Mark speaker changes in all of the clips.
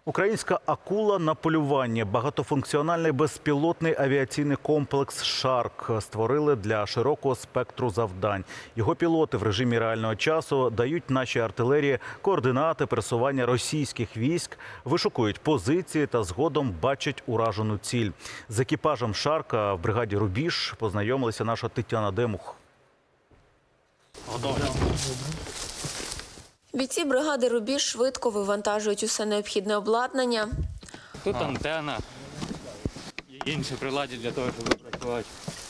Speaker 1: Українська акула на полюванні. Багатофункціональний безпілотний авіаційний комплекс «Шарк» створили для широкого спектру завдань. Його пілоти в режимі реального часу дають нашій артилерії координати пересування російських військ, вишукують позиції та згодом бачать уражену ціль. З екіпажем «Шарка» в бригаді «Рубіж» познайомилася наша Тетяна Демух.
Speaker 2: Бійці бригади «Рубіж» швидко вивантажують усе необхідне обладнання.
Speaker 3: Тут антенна і інші прилади для того, щоб працювати.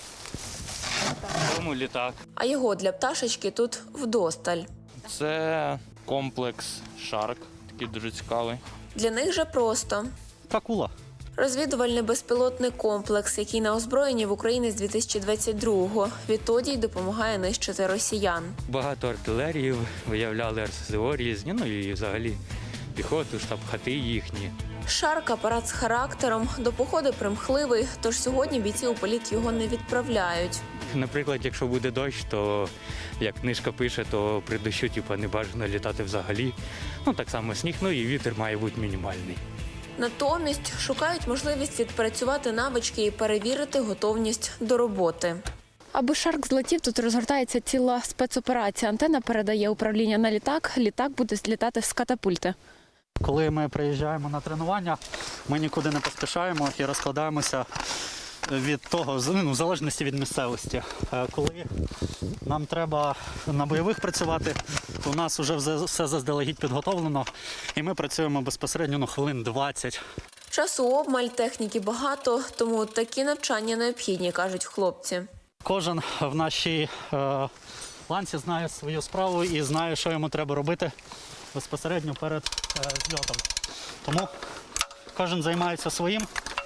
Speaker 3: Тому літак.
Speaker 2: А його для пташечки тут вдосталь.
Speaker 3: Це комплекс «Шарк», такий дуже цікавий.
Speaker 2: Для них же просто.
Speaker 4: Акула.
Speaker 2: Розвідувальний безпілотний комплекс, який на озброєнні в Україні з 2022-го. Відтоді й допомагає нищити росіян.
Speaker 3: Багато артилерії виявляли РСЗО різні, ну і взагалі піхоту, штаб-хати їхні.
Speaker 2: «Шарк» – апарат з характером, до походу примхливий, тож сьогодні бійці у політ його не відправляють.
Speaker 3: Наприклад, якщо буде дощ, то, як книжка пише, то при дощу не бажано літати взагалі. Ну, так само сніг, ну і вітер має бути мінімальний.
Speaker 2: Натомість шукають можливість відпрацювати навички і перевірити готовність до роботи.
Speaker 5: Аби «Шарк» злетів, тут розгортається ціла спецоперація. Антенна передає управління на літак, літак буде злітати з катапульти.
Speaker 4: Коли ми приїжджаємо на тренування, ми нікуди не поспішаємо і розкладаємося від того, в залежності від місцевості. Коли нам треба на бойових працювати, то у нас вже все заздалегідь підготовлено, і ми працюємо безпосередньо хвилин 20.
Speaker 2: Часу обмаль, техніки багато, тому такі навчання необхідні, кажуть хлопці.
Speaker 4: Кожен в нашій ланці знає свою справу і знає, що йому треба робити безпосередньо перед зльотом. Тому кожен займається своїм.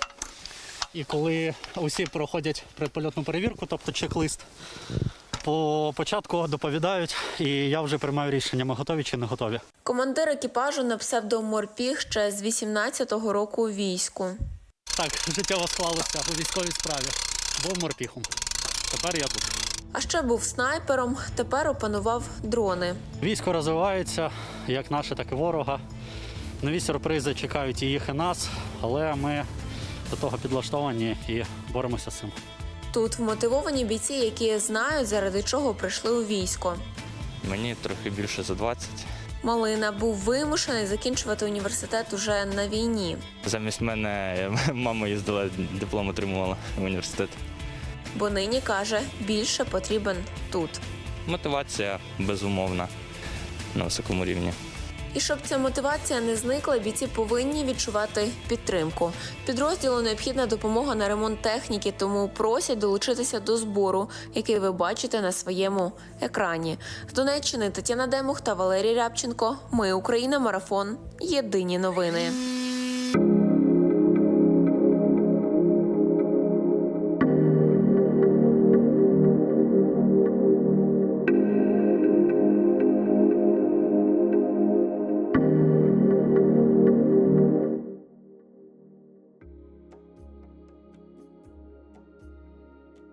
Speaker 4: І коли усі проходять предпольотну перевірку, тобто чек-лист, по початку доповідають, і я вже приймаю рішення, ми готові чи не готові.
Speaker 2: Командир екіпажу на псевдо-Морпіг ще з 18-го року у війську.
Speaker 4: Так, життєво склалося у військовій справі. Був морпіхом. Тепер я тут.
Speaker 2: А ще був снайпером, тепер опанував дрони.
Speaker 4: Військо розвивається, як наше, так і ворога. Нові сюрпризи чекають і їх, і нас, але ми до того підлаштовані і боремося з цим.
Speaker 2: Тут вмотивовані бійці, які знають, заради чого прийшли у військо.
Speaker 3: Мені трохи більше за 20.
Speaker 2: Малина був вимушений закінчувати університет уже на війні.
Speaker 3: Замість мене мама їздила, диплом отримувала в університет.
Speaker 2: Бо нині, каже, більше потрібен тут.
Speaker 3: Мотивація безумовна на високому рівні.
Speaker 2: І щоб ця мотивація не зникла, бійці повинні відчувати підтримку. Підрозділу необхідна допомога на ремонт техніки, тому просять долучитися до збору, який ви бачите на своєму екрані. З Донеччини Тетяна Демух та Валерій Рябченко. Ми Україна. Марафон. Єдині новини.